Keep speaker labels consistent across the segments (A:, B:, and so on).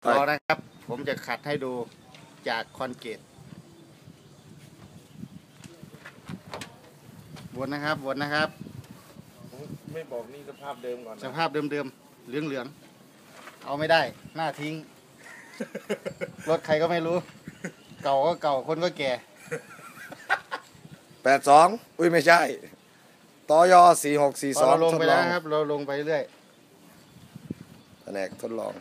A: รอนะครับผมจะขัดให้ดูจากคอนกรีตวนนะครับวนนะครับ
B: ไม่บอกนี่สภาพเดิมก่อน
A: สภาพเดิมๆเหลืองๆเอาไม่ได้หน้าทิ้ง รถใครก็ไม่รู้ เก่าก็เก่าคนก็แก่
C: 82อุ้ยไม่ใช่ตย4642
A: เราลงไปแล้วครับเราลงไปเรื่อย
C: แผนกทดลอง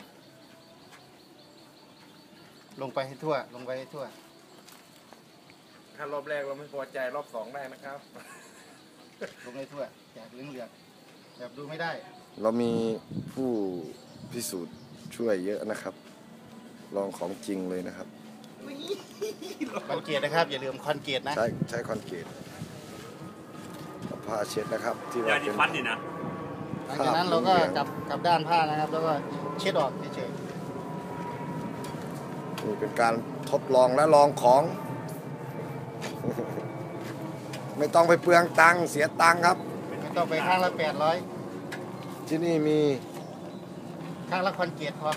A: ลงไปให้ทั่วลงไปให้ทั่ว
B: ถ้ารอบแรกเราไม่พอใจรอบ2ได้นะครับ
A: ลงให้ทั่วจากเหลืองๆแบบดูไม่ได้
C: เรามีผู้พิสูจน์ช่วยเยอะนะครับ ลองของจริงเลยนะครับ
A: คอนกรีตนะครับอย่าลืมคอนกรีตนะ
C: ใช้คอนกรีตเอาผ้าเช็ดนะครับที่ว่าเป็น
A: หลังจากนั้นเราก็กลับด้านผ้านะครับแล้วก็เช็ดออกเฉย
C: นี่เป็นการทดลองและลองของ ไม่ต้องไปเปลืองตังค์เสียตังค์ครับ
A: ไม่ต้องไปข้างละ800
C: ที่นี่มี
A: ข้างละคอนกรีตพอ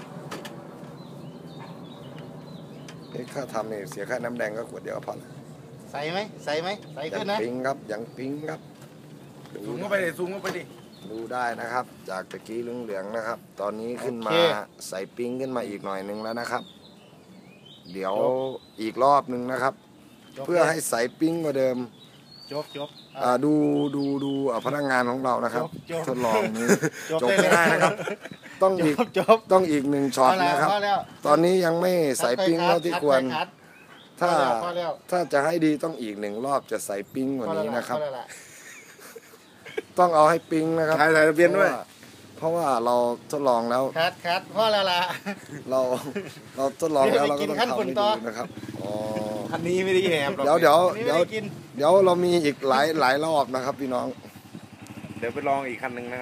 C: ค่าทำนี่เสียค่าน้ำแดงก็ขวดเดียวพอ
A: ใส่ไหมใส่ขึ้นนะ
C: ปิงครับยังปิงครับ
B: ซูมเข้าไปดิซูมเข้าไปดิ
C: ดูได้นะครับจากตะกี้เหลืองๆนะครับ ตอนนี้ขึ้นมาใส่ปิงขึ้นมาอีกหน่อยนึงแล้วนะครับ เดี๋ยวอีกรอบนึงนะครับ เพื่อให้ใส่ปิงกว่าเดิม
A: จบ
C: ดูพนักงานของเรานะครับทดลองนี้จบไม่ได้นะครับต้องอีก1ช็อตนะครับตอนนี้ยังไม่ใส่ปิ้งเท่าที่ควรถ้าจะให้ดีต้องอีก1รอบจะใส่ปิ้งกว่านี้นะครับต้องเอาให้ปิ้งนะครับ
B: ถ่ายทะเบียนด้วย
C: เพราะว่าเราทดลองแล้ว
A: คัดพ่อแล้วล่ะ
C: เราทดลองแล้วเราก็ต้องทำให้ดูนะครับ
B: คันนี้ไม่ได้แหบหรอก
C: เดี๋ยวเรามีอีกหลายรอบนะครับพี่น้อง
B: เดี๋ยวไปลองอีกคันหนึ่งนะ